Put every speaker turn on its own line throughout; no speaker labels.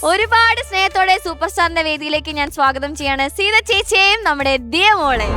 ഒരുപാട് സ്നേഹത്തോടെ സൂപ്പർ സ്റ്റാറിന്റെ വേദിയിലേക്ക് ഞാൻ സ്വാഗതം ചെയ്യാണ് സീത ചേച്ചിയെയും നമ്മുടെ ദിയ മോളെ.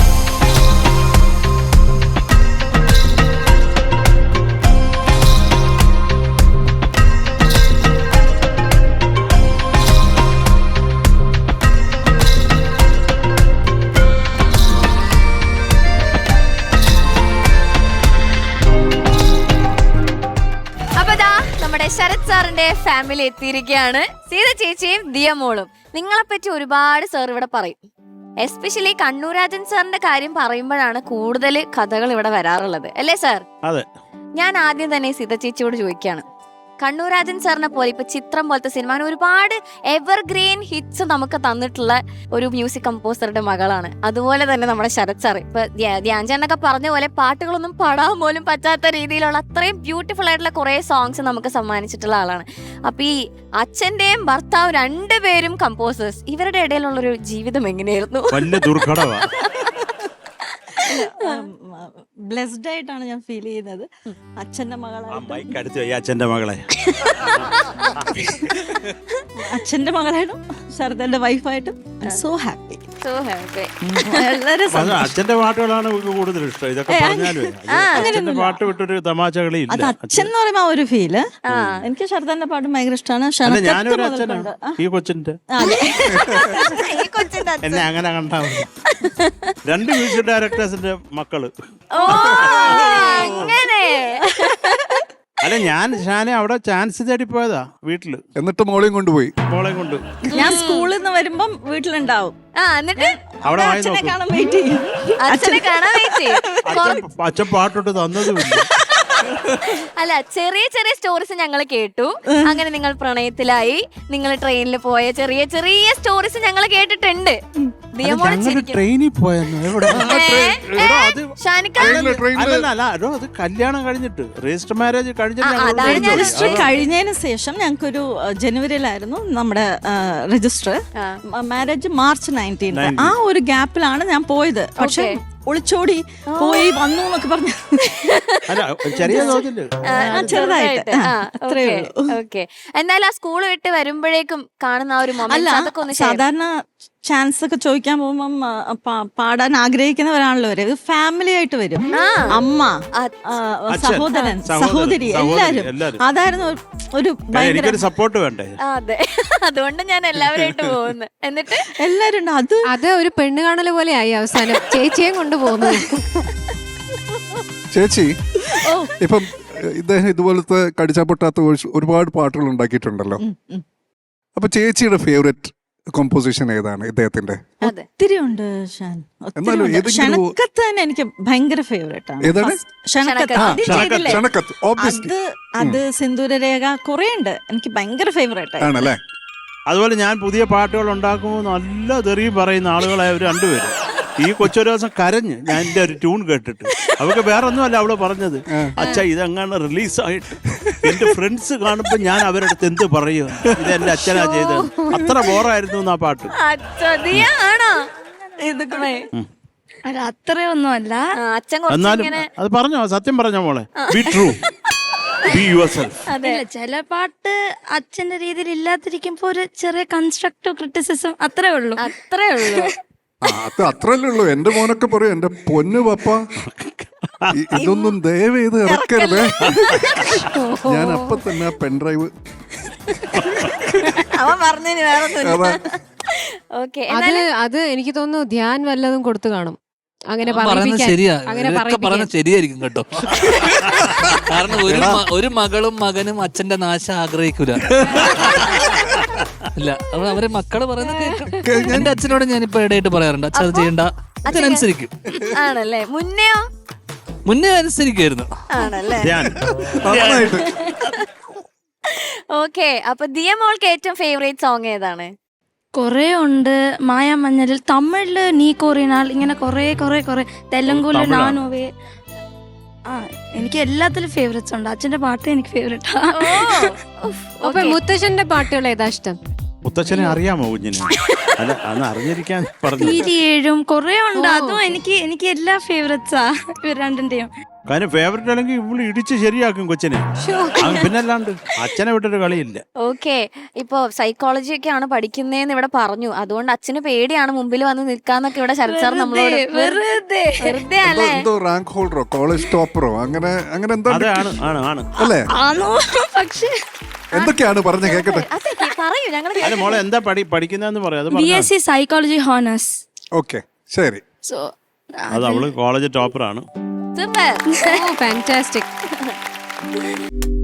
നമ്മുടെ ശരത് സാറിന്റെ ഫാമിലി എത്തിയിരിക്കുകയാണ്. സീത ചേച്ചിയും ദിയ മോളും. നിങ്ങളെപ്പറ്റി ഒരുപാട് സാർ ഇവിടെ പറയും. എസ്പെഷ്യലി കണ്ണൂരാജൻ സാറിന്റെ കാര്യം പറയുമ്പോഴാണ് കൂടുതൽ കഥകൾ ഇവിടെ വരാറുള്ളത്, അല്ലേ സാർ?
അതെ.
ഞാൻ ആദ്യം തന്നെ സീത ചേച്ചിയോട് ചോദിക്കുകയാണ്, കണ്ണൂരാജൻ സാറിനെ പോലെ ഇപ്പൊ ചിത്രം പോലത്തെ സിനിമ ഒരുപാട് എവർഗ്രീൻ ഹിറ്റ്സ് നമുക്ക് തന്നിട്ടുള്ള ഒരു മ്യൂസിക് കമ്പോസറുടെ മകളാണ്. അതുപോലെ തന്നെ നമ്മുടെ ശരത് സാർ ഇപ്പൊ ധ്യാൻചാണ്ടൊക്കെ പറഞ്ഞ പോലെ പാട്ടുകളൊന്നും പാടാൻ പോലും പറ്റാത്ത രീതിയിലുള്ള അത്രയും ബ്യൂട്ടിഫുൾ ആയിട്ടുള്ള കുറെ സോങ്സ് നമുക്ക് സമ്മാനിച്ചിട്ടുള്ള ആളാണ്. അപ്പൊ ഈ അച്ഛന്റെയും ഭർത്താവും രണ്ടുപേരും കമ്പോസേഴ്സ്, ഇവരുടെ ഇടയിലുള്ളൊരു ജീവിതം എങ്ങനെയായിരുന്നു?
വലിയ ദുർഘടമാണ്.
ബ്ലെസ്ഡ് ആയിട്ടാണ് ഞാൻ ഫീൽ ചെയ്യുന്നത്. അച്ഛന്റെ
അച്ഛന്റെ മകളെ
അച്ഛന്റെ മകളായിട്ടും ശരതന്റെ വൈഫായിട്ടും സോ ഹാപ്പി.
അച്ഛന്റെ പാട്ടുകളാണ് കൂടുതൽ ഇഷ്ടം. ഇതൊക്കെ പറഞ്ഞാലും അച്ഛന്റെ പാട്ട് വിട്ടൊരു തമാശകളി ഇല്ല.
അത് അച്ഛൻ എന്ന് പറയുമ്പോ ആ ഒരു ഫീല്. എനിക്ക് ശരതന്റെ പാട്ടും ഭയങ്കര ഇഷ്ടമാണ്.
ഞാനൊരു അച്ഛനാണ് ഈ കൊച്ചിന്റെ. എന്നെ അങ്ങനെ കണ്ടാ മതി. രണ്ട് മ്യൂസിക് ഡയറക്ടേഴ്സിന്റെ മക്കള്. അല്ല, ഞാൻ ഷാനെ അവിടെ ചാൻസ് തേടി പോയതാ വീട്ടില്.
എന്നിട്ട് മോളെയും കൊണ്ടുപോയി.
മോളെയും കൊണ്ട്
ഞാൻ സ്കൂളിൽ നിന്ന് വരുമ്പം വീട്ടിലുണ്ടാവും.
എന്നിട്ട്
അവിടെ
അച്ഛനെ കാണാൻ വെയിറ്റ് ചെയ്യും.
അച്ഛൻ പാട്ടോട്ട് തന്നതുമില്ല.
അല്ല, ചെറിയ ചെറിയ സ്റ്റോറീസ് ഞങ്ങൾ കേട്ടു. അങ്ങനെ നിങ്ങൾ പ്രണയത്തിലായി, നിങ്ങൾ ട്രെയിനിൽ പോയ ചെറിയ ചെറിയ സ്റ്റോറീസ് ഞങ്ങൾ കേട്ടിട്ടുണ്ട്.
ട്രെയിനിൽ പോയെന്ന് അത് കല്യാണം കഴിഞ്ഞിട്ട് രജിസ്റ്റർ മാരേജ്
രജിസ്റ്റർ കഴിഞ്ഞതിന് ശേഷം ഞങ്ങൾക്കൊരു ജനുവരിയിലായിരുന്നു നമ്മുടെ രജിസ്റ്റർ. Marriage March 19. ആ ഒരു ഗ്യാപ്പിലാണ് ഞാൻ പോയത്. പക്ഷെ ഒളിച്ചോടി പോയി വന്നു എന്നൊക്കെ പറഞ്ഞു. ചെറുതായിട്ട്
എന്നാലും ആ സ്കൂൾ വിട്ട് വരുമ്പോഴേക്കും കാണുന്ന ഒരു മൊമെന്റ്
സാധാരണ ചാൻസ് ഒക്കെ ചോദിക്കാൻ പോകുമ്പം പാടാൻ ആഗ്രഹിക്കുന്നവരാണല്ലോ അവര്. ഫാമിലി ആയിട്ട് വരും. അമ്മ, സഹോദരൻ, സഹോദരി, എല്ലാരും. അതായിരുന്നു ഒരു ഭയങ്കര
സപ്പോർട്ട് വേണ്ടേ.
അതെ, അതുകൊണ്ട് ഞാൻ എല്ലാവരായിട്ട് പോകുന്നു. എന്നിട്ട്
എല്ലാരും
അത് ഒരു പെണ്ണ് കാണല് പോലെ ആയി അവസാനം ചേച്ചിയെ കൊണ്ടുപോകുന്നു.
ചേച്ചി ഇപ്പം ഇദ്ദേഹം ഇതുപോലത്തെ കടിച്ചാ പൊട്ടാത്ത ഒരുപാട് പാട്ടുകൾ ഉണ്ടാക്കിയിട്ടുണ്ടല്ലോ. അപ്പൊ ചേച്ചിയുടെ ഫേവറേറ്റ് കോമ്പോസിഷൻ ഏതാണ് ഇദ്ദേഹത്തിന്റെ?
ഒത്തിരി ഉണ്ട്. ക്ഷണക്കത്ത് തന്നെ എനിക്ക് ഭയങ്കര ഫേവറേറ്റ് ആണ്. അത് സിന്ദൂരരേഖ കുറെ ഉണ്ട്, എനിക്ക് ഭയങ്കര ഫേവറേറ്റ്
ആണല്ലേ.
അതുപോലെ ഞാൻ പുതിയ പാട്ടുകൾ ഉണ്ടാക്കുമ്പോൾ നല്ല തെറിയും പറയുന്ന ആളുകളായ രണ്ടുപേരും. ഈ കൊച്ചൊരു ദിവസം കരഞ്ഞ് ഞാൻ എൻ്റെ ഒരു ട്യൂൺ കേട്ടിട്ട്. അവർക്ക് വേറെ ഒന്നുമല്ല അവള് പറഞ്ഞത്, അച്ഛാ ഇതെങ്ങനെ റിലീസായിട്ട് എന്റെ ഫ്രണ്ട്സ് കാണുമ്പോ ഞാൻ അവരുടെ അടുത്ത് എന്ത് പറയും, ഇത് എന്റെ അച്ഛനാ ചെയ്തത്, അത്ര ബോറായിരുന്നു ആ പാട്ട്.
അത്രയൊന്നുമല്ല.
എന്നാലും അത് പറഞ്ഞോ, സത്യം പറഞ്ഞോ മോളെ. Be true, be yourself.
ചില പാട്ട് അച്ഛന്റെ രീതിയിൽ ഇല്ലാതിരിക്കുമ്പോ ഒരു ചെറിയ കൺസ്ട്രക്റ്റീവ് ക്രിറ്റിസിസം അത്രേ ഉള്ളൂ.
അത്രല്ലേ ഉള്ളൂ. എന്റെ മോനൊക്കെ പറയും, എന്റെ പൊന്നു പപ്പ ഇതൊന്നും ദയവ് ചെയ്ത് ഇറക്കരുത്. ഞാൻ അപ്പൊ തന്നെ പെൻഡ്രൈവ്
അത് എനിക്ക് തോന്നുന്നു ധ്യാൻ വല്ലതും കൊടുത്തു കാണും. അങ്ങനെ
ശരിയായിരിക്കും കേട്ടോ. കാരണം ഒരു മകളും മകനും അച്ഛന്റെ നാശം ആഗ്രഹിക്കൂല. ഇല്ല, അവരെ മക്കള് പറയുന്നത് കേൾക്കും. എന്റെ അച്ഛനോട് ഞാനിപ്പോ ഇടയായിട്ട് പറയാറുണ്ട്, അച്ഛൻ അത് ചെയ്യണ്ട, അച്ഛനനുസരിക്കും.
ആണല്ലേ? മുന്നേ
അനുസരിക്കായിരുന്നു.
ഓക്കെ. അപ്പൊ ദിയ മോൾക്ക് ഏറ്റവും ഫേവറേറ്റ് സോങ് ഏതാണ്?
കൊറേ ഉണ്ട്. മായാമഞ്ഞലിൽ, തമിഴില് നീ കോറിനാൾ, ഇങ്ങനെ കൊറേ കൊറേ കൊറേ, തെലുങ്കുല് നാനോവേ. എനിക്ക് എല്ലാത്തിലും ഫേവറേറ്റ്സ് ഉണ്ട്. അച്ഛന്റെ പാട്ട് എനിക്ക് ഫേവറേറ്റാ.
അപ്പൊ മുത്തശ്ശന്റെ പാട്ടുകൾ ഏതാ ഇഷ്ടം?
മുത്തച്ഛനെ അറിയാമോ കുഞ്ഞിനെ? അല്ല, അന്ന് അറിഞ്ഞിരിക്കാൻ പറഞ്ഞു.
കൊറേ ഉണ്ട്. അതും എനിക്ക് എല്ലാ ഫേവറേറ്റ്സാ ഇവർ രണ്ടിന്റെയും.
കാര്യം ഫേവററ്റ് അല്ലെങ്കിൽ ഇവള് ഇടിച്ച് ശരിയാക്കും കൊച്ചിനെ. പിന്നല്ലാണ്ട് അച്ഛനെ വിട്ടൊരു കളിയില്ല.
ഓക്കെ, ഇപ്പൊ സൈക്കോളജി ഒക്കെയാണ് പഠിക്കുന്നേന്ന് ഇവിടെ പറഞ്ഞു. അതുകൊണ്ട് അച്ഛന് പേടിയാണ് മുമ്പിൽ വന്ന് നിൽക്കാന്നൊക്കെ ഇവിടെ ശരത് സാർ നമ്മളോട് വെറുതെ അല്ലേ?
എന്തോ റാങ്ക് ഹോൾഡറോ കോളേജ് ടോപ്പറോ അങ്ങനെ അങ്ങനെ എന്തോ
അതാണ് ആണ് ആണ്
അല്ലേ?
ആണോ? പക്ഷേ
എന്തൊക്കെയാണ് പറഞ്ഞ കേക്കട്ടെ.
അതെ, പറയൂ. ഞങ്ങൾ
അല്ല മോളെ എന്താ പഠിക്കുന്നതെന്ന് പറയാം. അത്
BSc സൈക്കോളജി ഹോണേഴ്സ്.
ഓക്കെ ശരി.
സോ
അത് അവള് കോളേജ് ടോപ്പറാണ്.
സൂപ്പർ.
ഫാന്റാസ്റ്റിക്.